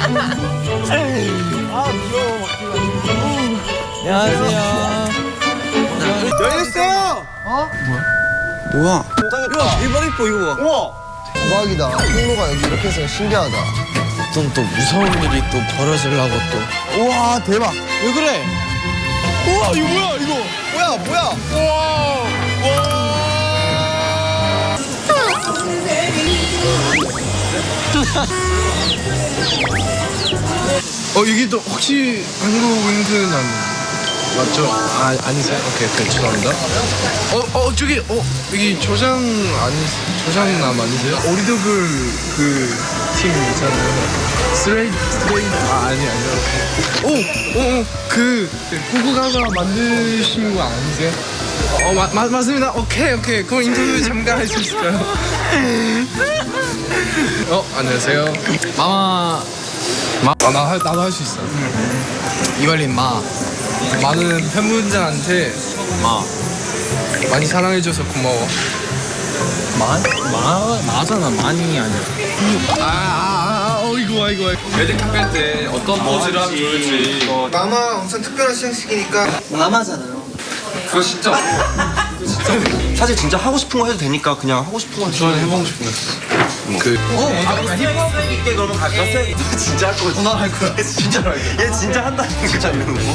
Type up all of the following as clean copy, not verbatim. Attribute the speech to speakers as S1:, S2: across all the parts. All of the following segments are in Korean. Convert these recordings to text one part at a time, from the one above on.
S1: 귀여워.
S2: 안녕하세요.
S1: 열렸어요.
S2: 뭐야?
S1: 야, 대박 이뻐 이거 봐. 우와.
S3: 대박이다. 통로가 여기 이렇게 해서 신기하다.
S2: 또 무서운 일이 또 벌어지려고 또.
S3: 우와 대박.
S2: 왜 그래? 우와 이거 뭐야 이거?
S3: 뭐야?
S4: 여기 또 혹시 한국 윙크남 맞죠? 아니세요? 오케이 죄송합니다. 저기 여기 조장남 아니세요? 오리더글 그 팀 있잖아요. 스트레이트 아니요. 그 구구가가 만드신 거 아니세요? 맞습니다. 오케이. 그럼 인터뷰 잠깐 할 수 있을까요? 안녕하세요. 나도 할 수 있어. 이발린 많은 팬분들한테 많이 사랑해줘서 고마워.
S2: 마잖아 많이 아니야.
S4: 이거.
S5: 매직 탑할 때 어떤 포즈를 하면 좋을지
S3: 마마 엄청 특별한 시상식이니까.
S1: 마마잖아요.
S5: 그거 진짜
S1: 사실 진짜 하고 싶은 거 해도 되니까 그냥 하고 싶은 거
S5: 저는 해보고 싶은 거
S1: 힙합 있게 그러면 갈까? 너 진짜 할 거지? 나 할 거야. 진짜로 할 거야. 얘 진짜 한다니까. 진짜 이러는 거.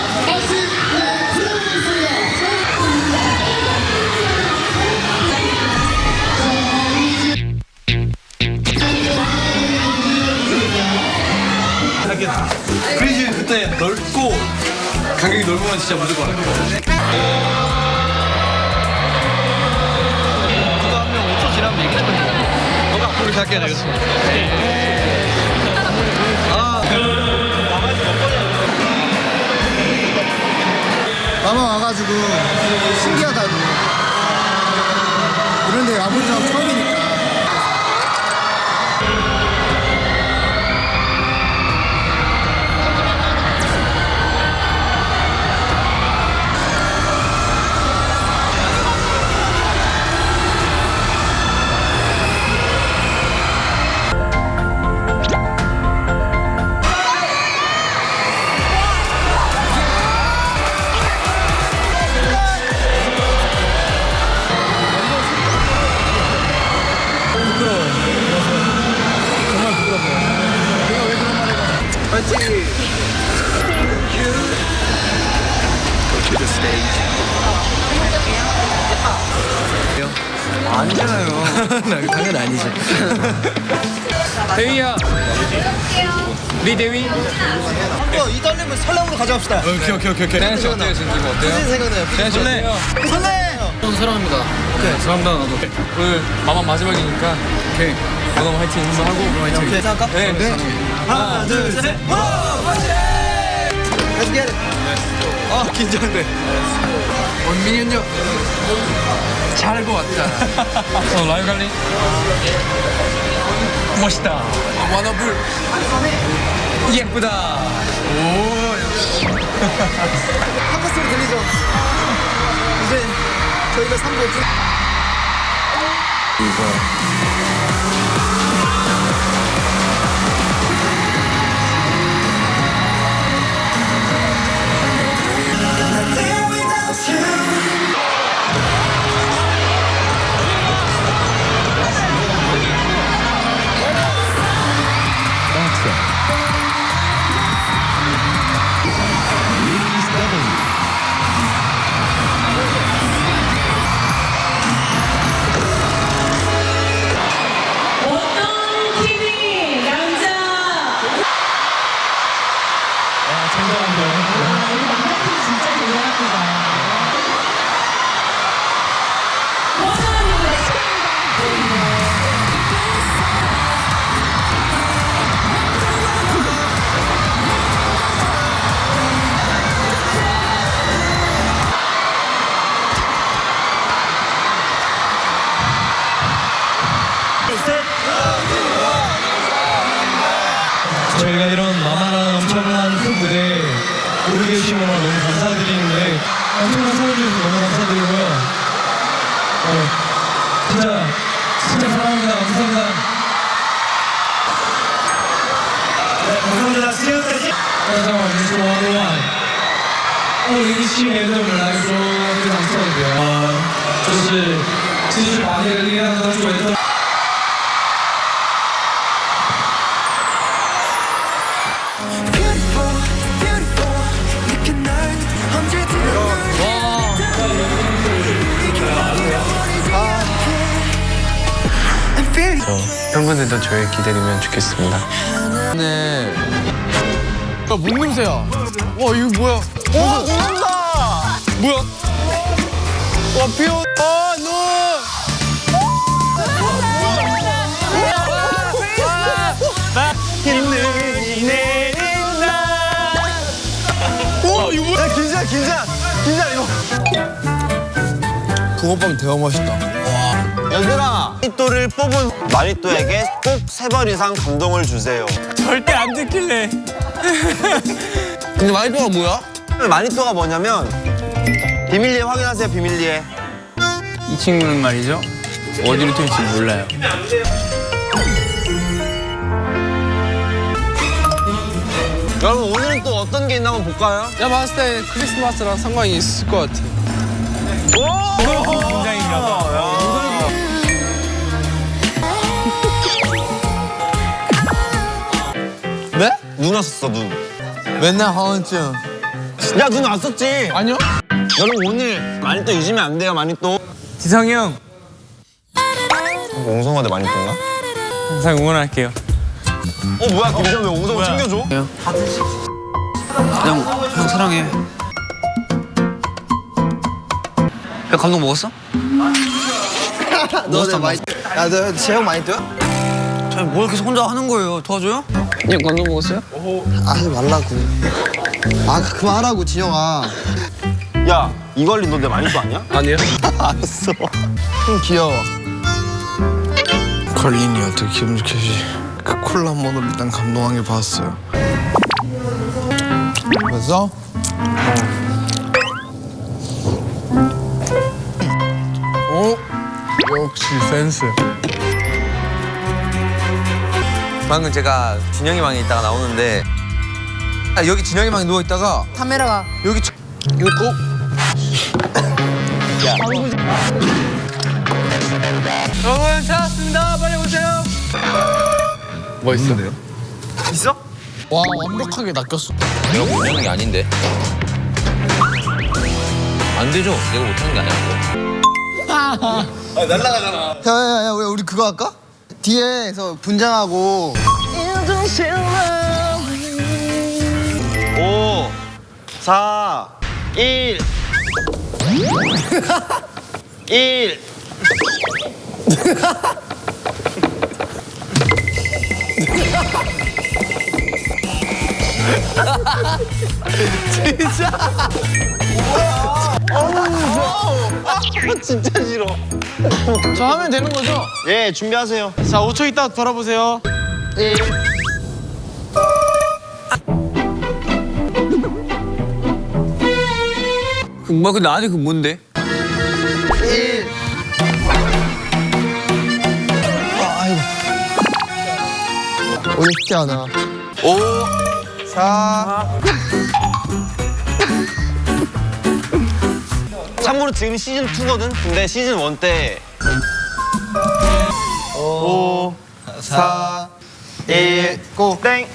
S5: 크리즈 그때 넓고 간격이 넓으면 진짜 무조건 할 거야. 누가 한 명 5초 지나면 얘기 좀 해. 너가 앞으로 갈게 내가.
S3: 마마 와가지고 신기하다고. 이런데 와본 적 처음이니까.
S1: 아니잖아요.
S2: 당연 아니지.
S4: 대위야. 우리 대위.
S3: 이 떨림을 설렘으로 가져갑시다.
S4: 오케이. 대한 씨 어때요? 지금 기분 어때요?
S3: 생각나요.
S4: 대한 씨 어때요?
S3: 설렘.
S4: 사랑합니다. 오케이. 사랑합니다 나도. 오늘 마마 마지막이니까 오케이. 너무 화이팅 한번 하고 화이팅.
S3: 오케이 생각할까?
S4: 네.
S3: 하나 둘 셋. Let's get it.
S4: 긴장돼. 원민이 형 잘할 것 같다. 라이브 갈리? 멋있다. 와너블 예쁘다. 오 역시.
S3: 한번 소리 들리죠? 이제 저희가 3부
S6: 저희가 이런 마마라는 엄청난 큰 무대에 오게 해주신 거나 너무 감사드리는데 엄청난 사랑해 주셔서 너무 감사드리고요. 진짜 사랑합니다. 감사합니다. 大家好，我是王东万。2017年对我们来说非常特别就是继续把那个力量当作为特。
S2: 팬분들도 저희 기다리면 좋겠습니다.
S4: 네. 야, 뭔 냄새야? 와, 이거 뭐야? 와, 온다! 뭐야? 와, 비 온. 아, 눈!
S1: 힘들이 내린다.
S4: 와, 이거 뭐야?
S1: 긴장 이거.
S4: 붕어빵 대박 맛있다.
S1: 얘들아, 마니또를 뽑은 마니또에게 꼭 3번 이상 감동을 주세요.
S2: 절대 안 듣길래.
S4: 근데 마니또가 뭐야?
S1: 마니또가 뭐냐면 비밀리에 확인하세요. 비밀리에.
S2: 이 친구는 말이죠. 어디로 튈지 몰라요.
S1: 여러분 오늘은 또 어떤 게 있나 한번 볼까요?
S4: 내가 봤을 때 크리스마스랑 상관이 있을 것 같아.
S2: 긴장인가 봐.
S4: 네?
S1: 눈 왔었어 눈.
S4: 맨날 하원증.
S1: 야 눈 왔었지.
S4: 아니요?
S1: 여러분 오늘 마니또 잊으면 안 돼요. 마니또.
S2: 지성이 형
S1: 옹성화대 마니또인가?
S2: 항상 응원할게요.
S1: 뭐야 김지현 왜 옹성화 챙겨줘?
S2: 형 사랑해. 형 감동 먹었어?
S3: 너네 많이. 야, 너 재형 많이 떠요?
S2: 뭘 계속 혼자 하는 거예요? 도와줘요? 형 감동 먹었어요?
S3: 하지 말라고. 아, 그만하라고 진영아.
S1: 야 이걸리 너 내 마니또 아니야?
S4: 아니요.
S3: 알았어. 좀 귀여워.
S4: 걸린이 어떻게 기분 좋겠지. 그 콜라 한 번으로 일단 감동한 게 봤어요. 그래서 역시 센스.
S7: 방금 제가 진영이 방에 있다가 나오는데 여기 진영이 방에 누워 있다가
S8: 카메라가
S4: 여기 이거 꼭
S2: 여러분 찾았습니다. 빨리 오세요.
S4: 뭐 있는데요?
S1: 있어?
S4: 와, 완벽하게 낚였어.
S7: 내가 못하는 게 아닌데 안 되죠? 내가 못하는 게 아니야.
S3: 야야야, 우리 그거 할까? 뒤에서 분장하고.
S1: 5 4 1 1 진짜 싫어.
S4: 저 하면 되는 거죠?
S1: 예 준비하세요.
S4: 자, 5초 있다 돌아보세요.
S1: 1
S2: 뭐야 근데 아직 그 뭔데?
S3: 1. 아이고. 오늘 쉽지 않아.
S1: 5
S3: 4.
S1: 참고로 지금 시즌 2거든. 근데 시즌 1 때 5 4 1
S3: 고.
S1: 땡.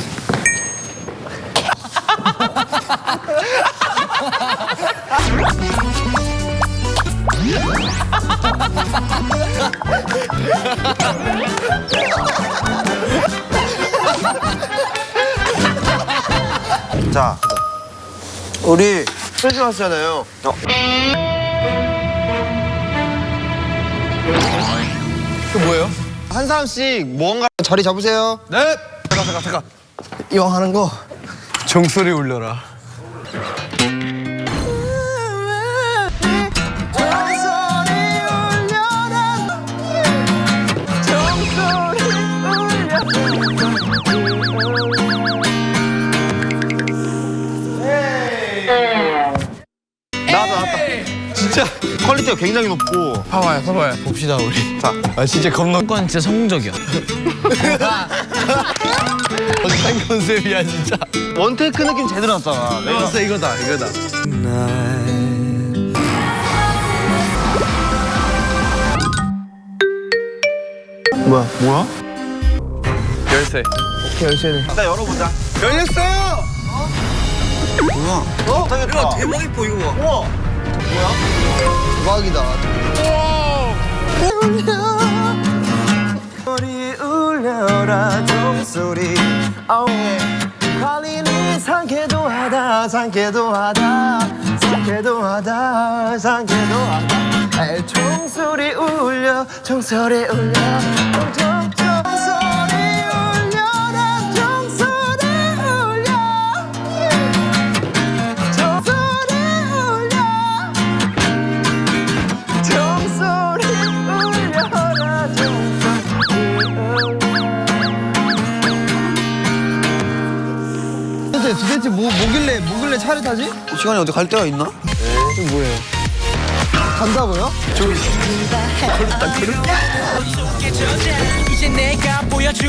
S1: 자, 우리 크리스마스잖아요.
S3: 그 뭐예요?
S1: 한 사람씩 뭔가
S3: 자리 잡으세요.
S4: 네.
S3: 잠깐. 이왕 하는 거.
S4: 종소리 울려라.
S1: 나왔다. 진짜 퀄리티가 굉장히 높고.
S4: 봐봐요. 봅시다 우리.
S1: 자,
S4: 아 진짜 겁나.
S2: 건 진짜 성공적이야.
S3: 어떤 컨셉이야 진짜.
S1: 원테이크 느낌 제대로 났잖아.
S3: 이거다 이거다. 뭐야?
S5: 열쇠.
S3: 오케이 열쇠네.
S1: 일단 열어보자.
S3: 열렸어요.
S1: 야, 대박 이뻐 이거 봐. 우와.
S3: 대박이다.
S1: 소리 울려라 종소리. 관리는 상쾌도 하다 상쾌도 하다 상쾌도 하다 상쾌도 하다. 종소리 울려 종소리 울려 종소리 울려라 종소리 울려 종소리 울려 종소리 울려라 종소리 울려.
S3: 도대체 뭐길래 차를 타지?
S1: 시간이 어디 갈 데가 있나?
S3: 이게 뭐예요? 간다고요?
S8: 이제 내가 보여줄